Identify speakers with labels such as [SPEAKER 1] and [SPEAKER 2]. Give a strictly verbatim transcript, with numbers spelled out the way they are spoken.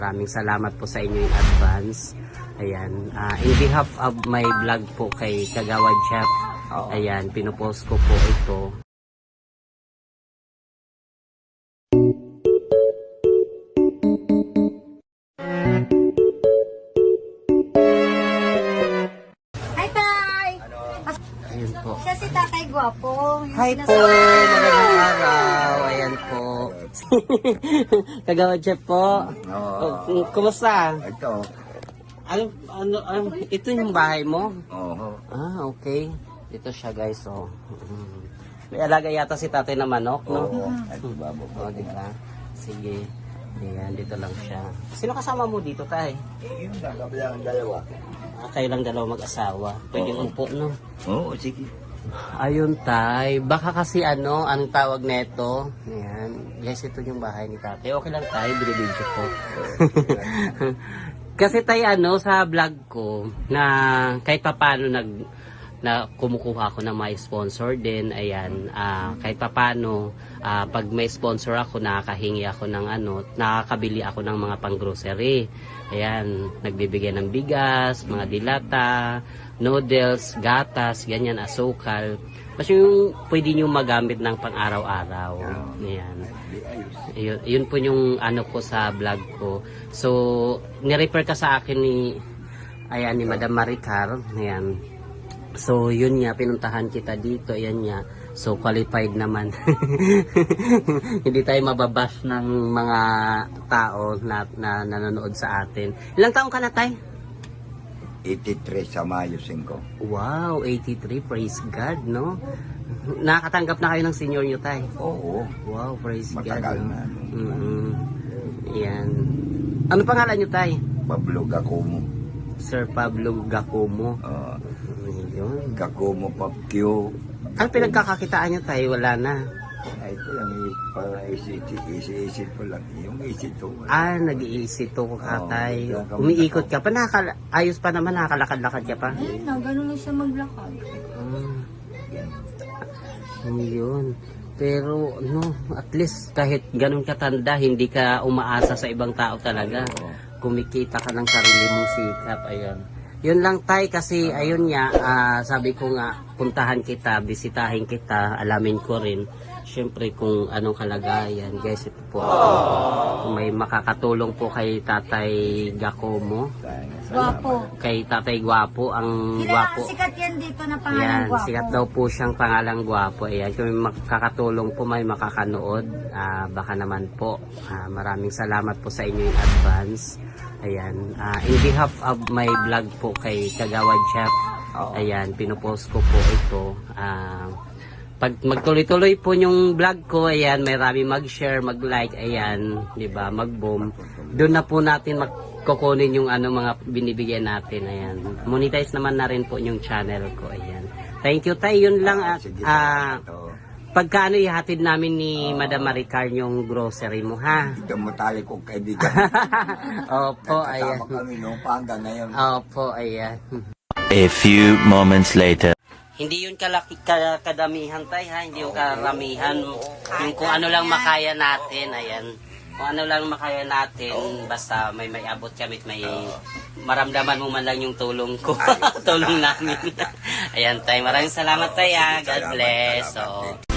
[SPEAKER 1] Maraming salamat po sa inyo in advance. Ayan, uh, in behalf of my vlog po kay Kagawad Chef, ayan, pinupost ko po ito.
[SPEAKER 2] Hi, Tay!
[SPEAKER 1] Ayun po.
[SPEAKER 2] Siya si Tatay Gwapo. Yung
[SPEAKER 1] Hi po,
[SPEAKER 2] sinasabi-
[SPEAKER 1] magandang araw. Ayan po. Kagawad Chef po.
[SPEAKER 3] Oo.
[SPEAKER 1] Oh, kumusta?
[SPEAKER 3] Ito.
[SPEAKER 1] Ano, ano, ano, ito yung bahay mo?
[SPEAKER 3] Oo.
[SPEAKER 1] Ah, okay. Dito siya guys, oh. Mm. May alaga yata si tatay na manok, no?
[SPEAKER 3] Oo. Ito babo.
[SPEAKER 1] O, di ba? Sige. Ayan, dito lang siya. Sino kasama mo dito, tay?
[SPEAKER 3] Yung nakabilang dalawa.
[SPEAKER 1] Ah, kayo lang dalawa mag-asawa. Pwede
[SPEAKER 3] Oo.
[SPEAKER 1] umpo, no?
[SPEAKER 3] Oo, sige.
[SPEAKER 1] Ayun, tay. Baka kasi ano, anong tawag neto? Ayan. Guys, ito yung bahay ni tatay. Okay lang, tay. Binibidyo ko. Kasi tay, ano, sa vlog ko, na kahit papano nag na kumukuha ako ng may sponsor din, ayan, ah, kahit papano, ah, pag may sponsor ako, nakakahingi ako ng ano, nakakabili ako ng mga pang-grocery. Ayan, nagbibigay ng bigas, mga dilata, noodles, gatas, ganyan, asukal. Kasi yung pwede nyo magamit ng pang-araw-araw. Ayan. Yun, yun po yung ano ko sa vlog ko. So, nirefer ka sa akin ni, ayan, ni Madam Maricar. Ayan. So, yun nga, pinuntahan kita dito. Ayan nga. So, qualified naman. Hindi tayo mababash ng mga tao na, na nanonood sa atin. Ilang taong ka na, tay?
[SPEAKER 3] eighty-three sa Mayo five.
[SPEAKER 1] Wow, eighty-three. Praise God, no? Nakakatanggap na kayo ng senior nyo, tay?
[SPEAKER 3] Oo.
[SPEAKER 1] Wow, praise
[SPEAKER 3] Matagal
[SPEAKER 1] God.
[SPEAKER 3] na.
[SPEAKER 1] Mm-hmm. Ayan. Ano pangalan nyo, tay?
[SPEAKER 3] Pablo Gacomo.
[SPEAKER 1] Sir Pablo Gacomo.
[SPEAKER 3] Uh,
[SPEAKER 1] Ayun.
[SPEAKER 3] Gacomo Papkyo.
[SPEAKER 1] Ano pinagkakakitaan nyo, tay? Wala na.
[SPEAKER 3] Ay, ito lang. eh, Para isi-isip ko lang. Yung isip ko.
[SPEAKER 1] Ah, nag-iisip to ka, tay.
[SPEAKER 3] Oo, kaya
[SPEAKER 1] Umiikot ka pa. Nakakala ayos pa naman, nakakalakad-lakad ka pa.
[SPEAKER 2] Ayun na, ganun lang siya maglakad.
[SPEAKER 1] Ah. Yun. Pero, no, at least kahit ganun katanda, hindi ka umaasa sa ibang tao talaga. Kumikita ka ng sarili mong sikap, ayun. Yun lang, tay, kasi ayun nga, ah, sabi ko nga, puntahan kita, bisitahin kita, alamin ko rin, syempre kung anong kalagayan. Guys, ito po, kung may makakatulong po kay Tatay Gacomo,
[SPEAKER 2] Gwapo.
[SPEAKER 1] kay Tatay Gwapo, ang
[SPEAKER 2] Sila,
[SPEAKER 1] gwapo.
[SPEAKER 2] sikat yan dito na pangalan
[SPEAKER 1] Yan,
[SPEAKER 2] Gwapo.
[SPEAKER 1] sikat daw po siyang pangalang Gwapo. Ayan, kung may makakatulong po, may makakanood, ah, baka naman po. Ah, maraming salamat po sa inyo in advance. Ayan, ah, in behalf of my vlog po kay Kagawad Chef, ayan, pinupost ko po ito. Ah, pag magtuloy-tuloy po yung vlog ko, ayan, may rami mag-share, mag-like, ayan, di ba, mag-boom. Doon na po natin magkukunin yung ano mga binibigyan natin, ayan. Monetize naman na rin po yung channel ko, ayan. Thank you, tay. Yun lang, at
[SPEAKER 3] Sige,
[SPEAKER 1] ah,
[SPEAKER 3] ito.
[SPEAKER 1] pagkaano ihatid namin ni Madam Maricar yung grocery mo, ha?
[SPEAKER 3] Ito mo tayo kong kaibigan.
[SPEAKER 1] Opo, ayan.
[SPEAKER 3] Nagkasama kami noong pa hanggang ngayon.
[SPEAKER 1] Opo, ayan.
[SPEAKER 4] A few moments later.
[SPEAKER 1] Hindi yun kalaki, ka, kadamihan, tay, ha? Hindi yung karamihan. Yung kung ano lang makaya natin, ayan. Kung ano lang makaya natin, basta may may abot kami, may maramdaman mo man lang yung tulong ko. Tulong namin. Ayan, tay. Maraming salamat, tay, ha? God bless. So,